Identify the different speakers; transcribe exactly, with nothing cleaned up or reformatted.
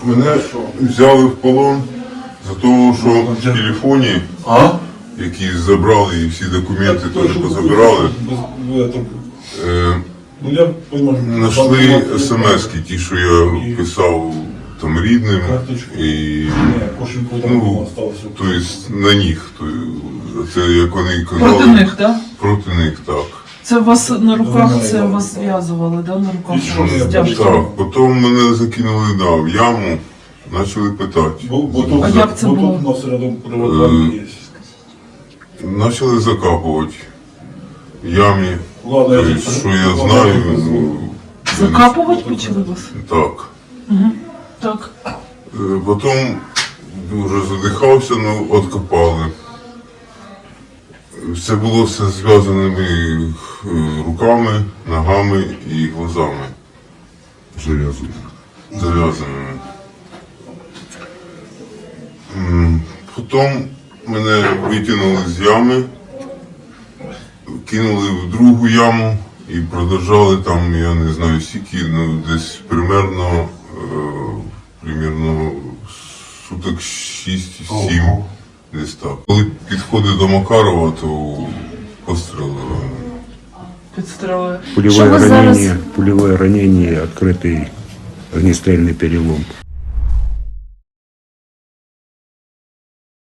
Speaker 1: Мене взяли в полон за того, що в телефоні,
Speaker 2: А?
Speaker 1: які забрали і всі документи теж позабирали, е,
Speaker 2: Ну, я понимаю,
Speaker 1: знайшли смс-ки, ті, що я писав там рідним, і ну, тобто на них, то, це як вони казали.
Speaker 3: Проти них, так?
Speaker 1: Проти них, так.
Speaker 3: Це вас на руках, це вас зв'язували, да? На руках стяжки.
Speaker 1: Так, потім мене закинули да, в яму, почали питати.
Speaker 2: Бо, бо тут,
Speaker 3: А як це
Speaker 2: бо
Speaker 3: було?
Speaker 2: тут у нас рядом приватбанк є.
Speaker 1: Почали закапувати в ямі.
Speaker 2: Ладно, я
Speaker 1: Тобто,
Speaker 2: тут-
Speaker 1: що я
Speaker 2: ладно,
Speaker 1: знаю,
Speaker 2: я тут-
Speaker 1: ну,
Speaker 3: Закапувати почали вас?
Speaker 1: так.
Speaker 3: Так.
Speaker 1: Е, Потім дуже задихався, ну откопали. Це було все зв'язаними е, руками, ногами і глазами. Зав'язаними. Зав'язаними. М, Потім мене витягнули з ями, кинули в другу яму і продовжали там, я не знаю скільки, ну десь примерно, е, примерно суток шість-сім, десь так. Коли підходить до Макарова, то пострілили.
Speaker 3: Підстрелили. Що
Speaker 4: Пулевое
Speaker 3: ви зараз...
Speaker 4: ранение, пулевое ранение, открытый огнестрельный перелом.